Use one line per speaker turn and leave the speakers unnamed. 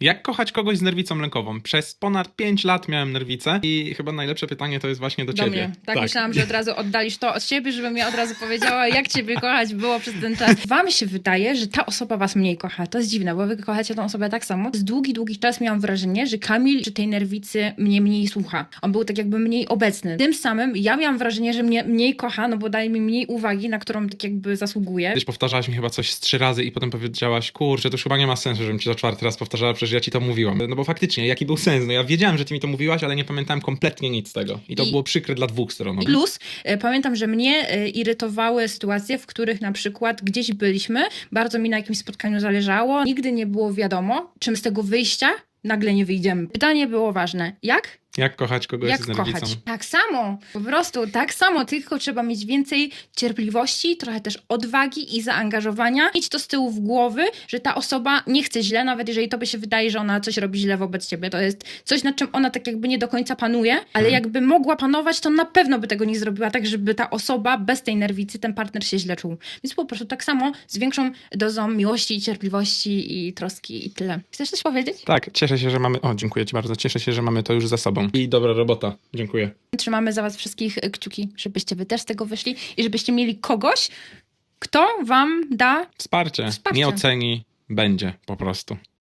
Jak kochać kogoś z nerwicą lękową? Przez ponad 5 lat miałem nerwicę i chyba najlepsze pytanie to jest właśnie do
Do
ciebie.
mnie. Tak, myślałam, że od razu oddalisz to od siebie, żebym ja od razu powiedziała, jak ciebie kochać było przez ten czas. Wam się wydaje, że ta osoba was mniej kocha. To jest dziwne, bo wy kochacie tą osobę tak samo. Przez długi czas miałam wrażenie, że Kamil przy tej nerwicy mnie mniej słucha. On był tak jakby mniej obecny. Tym samym ja miałam wrażenie, że mnie mniej kocha, no bo daje mi mniej uwagi, na którą tak jakby zasługuje.
Kiedyś powtarzałaś mi chyba coś z 3 razy i potem powiedziałaś, kurczę, to już chyba nie ma sensu, żebym ci to 4. raz powtarzała, przecież ja ci to mówiłam. No bo faktycznie, jaki był sens? No ja wiedziałem, że ty mi to mówiłaś, ale nie pamiętałem kompletnie nic z tego. I to było przykre dla 2 stron.
Plus, pamiętam, że mnie irytowały sytuacje, w których na przykład gdzieś byliśmy, bardzo mi na jakimś spotkaniu zależało, nigdy nie było wiadomo, czym z tego wyjścia nagle nie wyjdziemy. Pytanie było ważne. Jak?
Jak kochać kogoś
Jak
z nerwicą?
kochać? Tak samo, po prostu tak samo, tylko trzeba mieć więcej cierpliwości, trochę też odwagi i zaangażowania. Mieć to z tyłu w głowy, że ta osoba nie chce źle, nawet jeżeli tobie się wydaje, że ona coś robi źle wobec ciebie. To jest coś, nad czym ona tak jakby nie do końca panuje, ale jakby mogła panować, to na pewno by tego nie zrobiła, tak żeby ta osoba bez tej nerwicy, ten partner się źle czuł. Więc po prostu tak samo z większą dozą miłości, cierpliwości i troski i tyle. Chcesz coś powiedzieć?
Tak, cieszę się, że mamy... O, dziękuję ci bardzo. Cieszę się, że mamy to już za sobą. I dobra robota. Dziękuję.
Trzymamy za was wszystkich kciuki, żebyście wy też z tego wyszli i żebyście mieli kogoś, kto wam da
Wsparcie.
Wsparcie.
Nie oceni, będzie po prostu.